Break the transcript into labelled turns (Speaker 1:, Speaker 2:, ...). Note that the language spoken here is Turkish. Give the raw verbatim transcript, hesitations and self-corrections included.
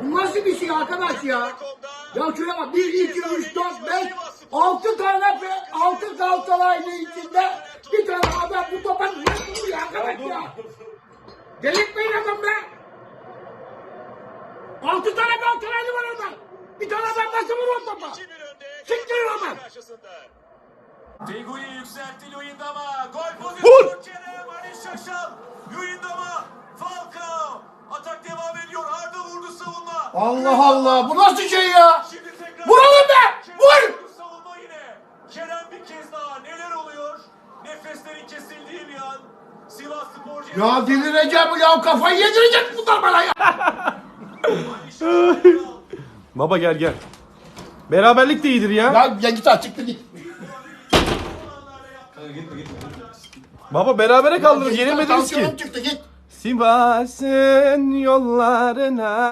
Speaker 1: Bu nasıl bir şey arkadaş ya? Ya şöyle bak bir, iki, üç, dört, beş, altı tane altı Galatasaraylı içinde bir tane adam bu topa nasıl vuruyor arkadaş ya? Delirtmeyin adam be! Altı tane Galatasaraylı var orada. Bir tane adam nasıl vuruyor topa? Siktirin ama.
Speaker 2: Tegu'yu yükseltti Luyendama. Gol pozisyonu Kerem Ali Şaşal. Luyendama. Falcao. Atak devam ediyor. Arda vurdu savunma.
Speaker 1: Allah Allah bu nasıl şey ya?
Speaker 2: Şimdi tekrar.
Speaker 1: Vuralım be! Vur!
Speaker 2: Vur! Savunma yine. Kerem bir kez daha. Neler oluyor? Nefeslerin kesildiği bir an. Sivas Sporcu.
Speaker 1: Ya delireceğim ya kafayı yedirecek bunlar bana ya.
Speaker 2: Ali Şaşal.
Speaker 3: Baba gel gel. Beraberlik de iyidir ya.
Speaker 1: Ya, ya git artık git.
Speaker 3: Baba berabere kaldınız. Yenilmediniz ki.
Speaker 1: Tansiyonum çıktı git.
Speaker 3: Sivas'ın yollarına